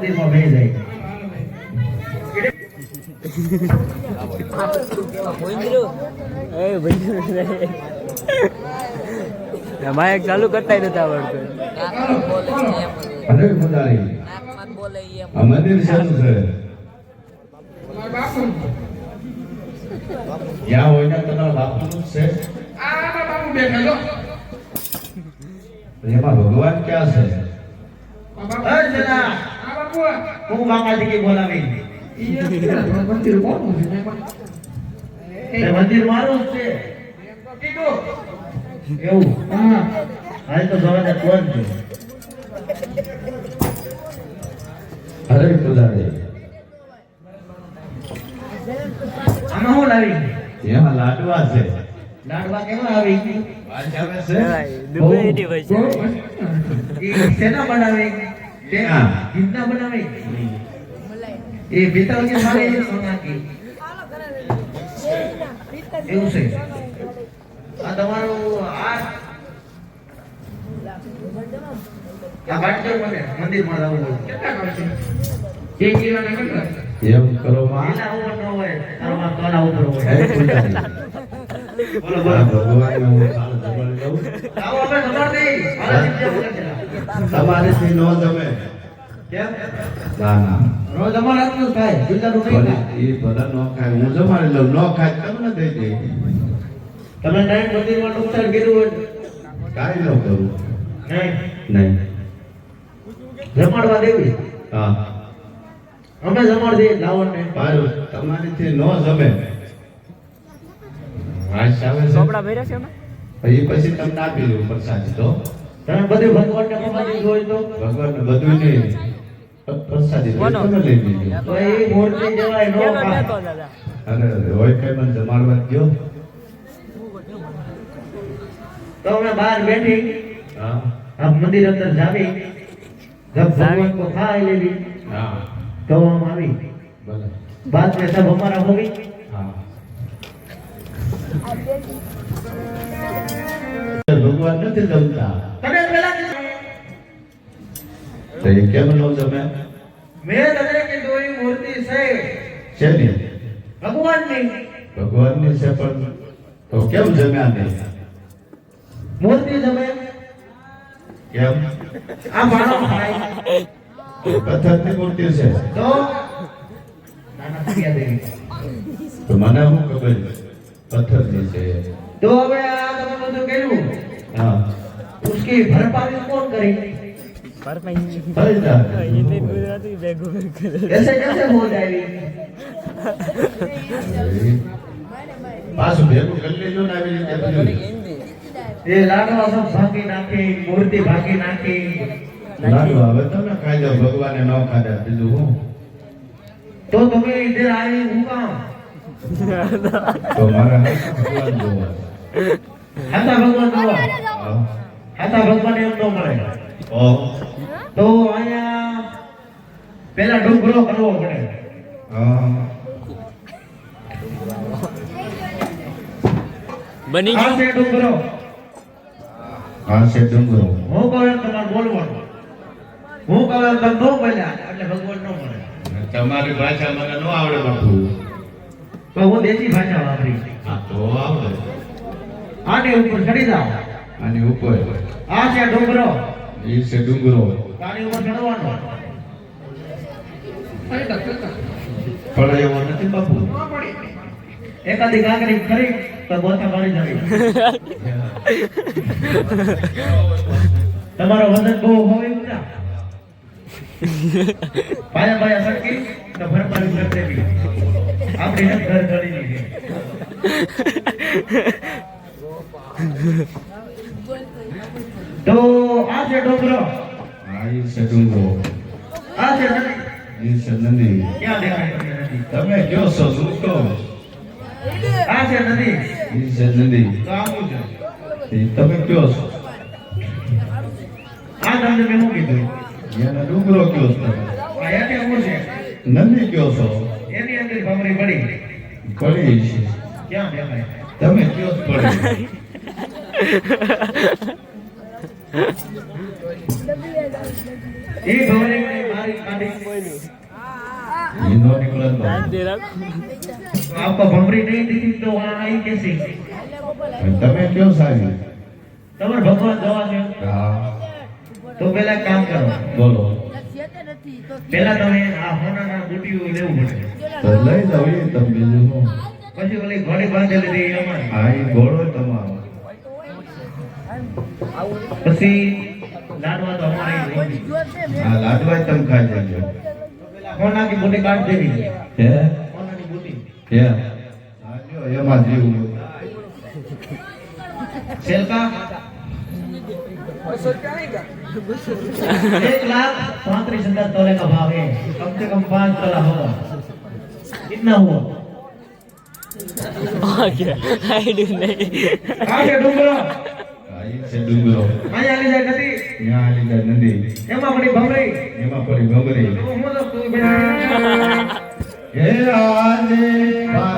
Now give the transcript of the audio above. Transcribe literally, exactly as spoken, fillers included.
મંદિરમાં બેહી જાય માયક ચાલુ કરતા નતા આવડતું. અરે પુજારી આ મંદિર શાનું છે? ક્યાં હોય ને તમારા બાપુનું જ છે? એમાં ભગવાન ક્યાં છે? અરે જરા હું બાપાજી કી બોલાવી મંદિર કોનું છે? એ મંદિર મારું જ છે એવું. હા હાલ તો જવા કોણ છે? અરે પુજારી આમાં હું લાવી એમાં લાડવા છે. લાડવા કેવા આવી વાત આવે છે? દુબઈની ભાષા. એ શેના બનાવે? ક્યાં? ઘીના બનાવે એ પિત્તળની મારે છે સોનાની એવું છે. આ તમારું આ આ બાટલો મને મંદિરમાં લાવવું હોય કેટલા કરશે? એક કિલોના કેટલા? એમ કરો માં. એના ઉપર ન હોય તારમાં કોના ઉપર હોય? અરે પુજારી બોલો આ બોલો ભગવાનને હું સારું જમાડી દઉં. આવો આપણે ખબર નહીં મારા શિષ્ય બોલે છે તમારીથી નો જમે. કેમ ના ના રોજ અમારા હાથનું જ ખાય બીજાનું નહીં ભલે ખાય. એ ભલે નો ખાય હું જમાડી લઉં. નો ખાય તમને દઈ દઈ. તમે ટાઈમ મંદિરમાં નુકસાન કર્યું હોય કાંઈ ન કરું. નહીં નહીં. જમાડવા દેવી હા અમે જમાડ દઈએ લાવણને પાછું તમારીથી નો જમે. વાસ આવે છે ચોપડા ભર્યા છે અમે. એ પછી તમને આપી દઉં પ્રસાદી. તો તમે બધું ભગવાનને પ્રસાદી હોય તો ભગવાનને બધું નહીં પ્રસાદી કોનો? તમે લઈ લીધી. તો એ મૂર્તિ જવાય નો કેનો ખાય. નતો દાદા? અરે હોય કઈ મને જમાડવા ગયો. તો અમે બહાર બેઠી હા આપ મંદિર અંદર જાવી જબ ભગવાન को खा लेवी હા तो हम આવી ભલે बाद में सब हमारा होगी હા ભગવાન નથી જમતા તને પેલા તો એ કેમ નો જમે? મેં તને કીધું એ મૂર્તિ છે છે ને ભગવાનની ભગવાનની છે પણ તો કેમ જમ્યા નહીં? મૂર્તિ જમે કેમ? આ માણસ ખાય પથ્થરની મૂર્તિ છે તો નાના ક્યાં દેવી તો મને શું ખબર પથ્થરની છે? તો હવે આ તમે બધું કર્યું હા उसकी भरपाई कौन करेगी થઈ જાય. હિન્દી ગુજરાતી ભેગું ભેગું. ऐसे कैसे हो जाएगी પાછું ભેગું કરી લેજો ને આવી રીતે બધું. ये लाडवा सब भागी नाखी मूर्ति भागी नाखी લાડવા હવે તમે ખાઈ જાઓ. ભગવાને ન ખાધા બીજું હું? तो तुम्हें इधर आई हूँ काम તો મારા હાથમાં ભગવાન જોવા. हाथा भगवान જોવા હા. हाथा भगवान એમ ન મળે ઓ તો અહીંયા પેલા ડુંગરો કરવો પડે હા બની આ ગયું. છે ડુંગરો હા છે ડુંગરો. હું કહું એમ તમારે બોલવાનું હું કહું એમ તમે ન બોલ્યા એટલે ભગવાન ન મળે તમારી ભાષા મને ન આવડે બાપુ. તો હું દેશી ભાષા વાપરી હા તો આવડે. આની ઉપર ચડી જાઓ આની ઉપર આ છે ડુંગરો એ છે ડુંગરો. આની ઉપર ચડવાનો પડે એવો નથી બાપુ. એકાદી કાંકરી ખરી તો ગોથા મારી જવી તમારો વજન બહુ હોય એવું ના પાયા પાયા સરકી તો ભરપાઈ કરી દેવી આપણી હેત ઘર ચડી દીધી તો આ છે ડુંગરો હા એ છે ડુંગરો. આ છે નદી એ છે નદી. ક્યાં દેખાય તમને નદી તમે કયો છો શું કહો? આ છે નદી એ છે નદી. તો આવું છે એ તમે કયો છો? આ તમને મેં શું કીધું એને ડુંગરો કયો છો તમે? આ હેઠે શું છે નદી કયો છો? એની અંદર ભમરી પડી પડી છે. ક્યાં દેખાય તમે કયો છો પડી? એ ભમરી મારી કાઢી કાઢી ઈ નો નીકળે તો શાંતિ રાખ. आपको भमरी नहीं दी तो वहां आई कैसी તમે કયો સારી તમારે ભગવાન જવા દો હા તો પહેલા કામ કરો બોલો પહેલા તમે આ હોનાના બુટીઓ લેવું પડે તો લઈ જાવ એ તમે બીજું શું પછી ઓલી ઘોડી બાંધેલી હતી અમારી હા ઈ ઘોડો તમારો પછી લાડવા તો અમારે લઈ ગઈ હા લાડવા તમે ખાઈ જજો હોના की बूटी काट देनी હે होना की बूटी હે હા જો એમાં જીવ सेल का एक लाख पैंतीस हजार तोले का भाव है कम से कम पाँच तोला होगा कितना हुआ ઓકે આઈડી નહીં. कहाँ से डूंगरो આ ઈ છે ડુંગરો અહીંયા આલી જાય નથી ત્યાં આલી જાય નદી એમાં પડી ભમરી એમાં પડી ગમરી હું તો તું બેઠા હે આજે